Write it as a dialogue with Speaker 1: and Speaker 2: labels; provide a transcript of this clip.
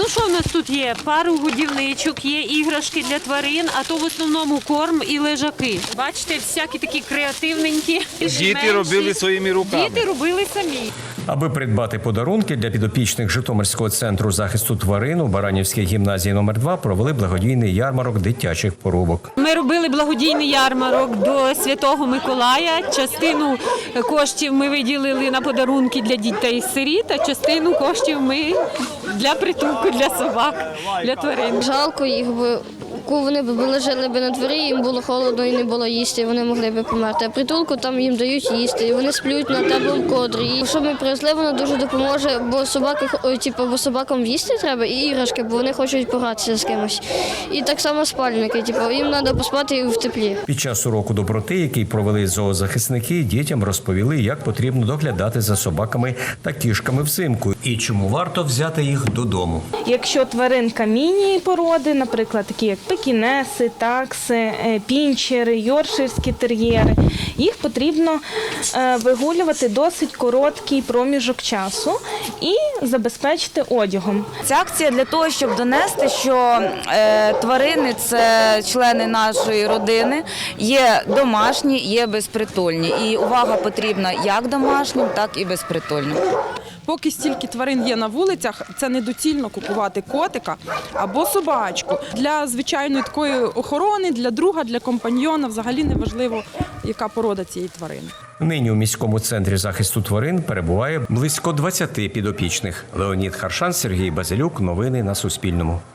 Speaker 1: що в нас тут є? Пару годівничок, є іграшки для тварин, а то в основному корм і лежаки. Бачите, всякі такі креативненькі.
Speaker 2: Діти робили своїми руками.
Speaker 1: Діти робили самі.
Speaker 3: Аби придбати подарунки для підопічних Житомирського центру захисту тварин у Баранівській гімназії номер 2 провели благодійний ярмарок дитячих поробок.
Speaker 1: Ми робили благодійний ярмарок до Святого Миколая. Частину коштів ми виділили на подарунки для дітей-сиріт, а частину коштів ми для притулку, для собак, для тварин.
Speaker 4: Жалко їх, бо вони б лежали б на дворі, їм було холодно і не було їсти, і вони могли б померти. А притулку там їм дають їсти, і вони сплють на теплому кодрі. І щоб ми привезли, воно дуже допоможе, бо бо собакам їсти треба і іграшки, бо вони хочуть погратися з кимось. І так само спальники, їм треба поспати в теплі.
Speaker 3: Під час уроку доброти, який провели зоозахисники, дітям розповіли, як потрібно доглядати за собаками та кішками взимку і чому варто взяти їх додому.
Speaker 5: Якщо тваринка міні-породи, наприклад, такі як пекінеси, такси, пінчери, йоркширські тер'єри, їх потрібно вигулювати досить короткий проміжок часу і забезпечити одягом.
Speaker 6: Ця акція для того, щоб донести, що тварини – це члени нашої родини, є домашні, є безпритульні. І увага потрібна як домашнім, так і безпритульним.
Speaker 7: Поки стільки тварин є на вулицях, це недоцільно купувати котика або собачку. Для звичайної такої охорони, для друга, для компаньйона взагалі не важливо, яка порода цієї тварини.
Speaker 3: Нині у міському центрі захисту тварин перебуває близько 20 підопічних. Леонід Харшан, Сергій Базилюк. Новини на Суспільному.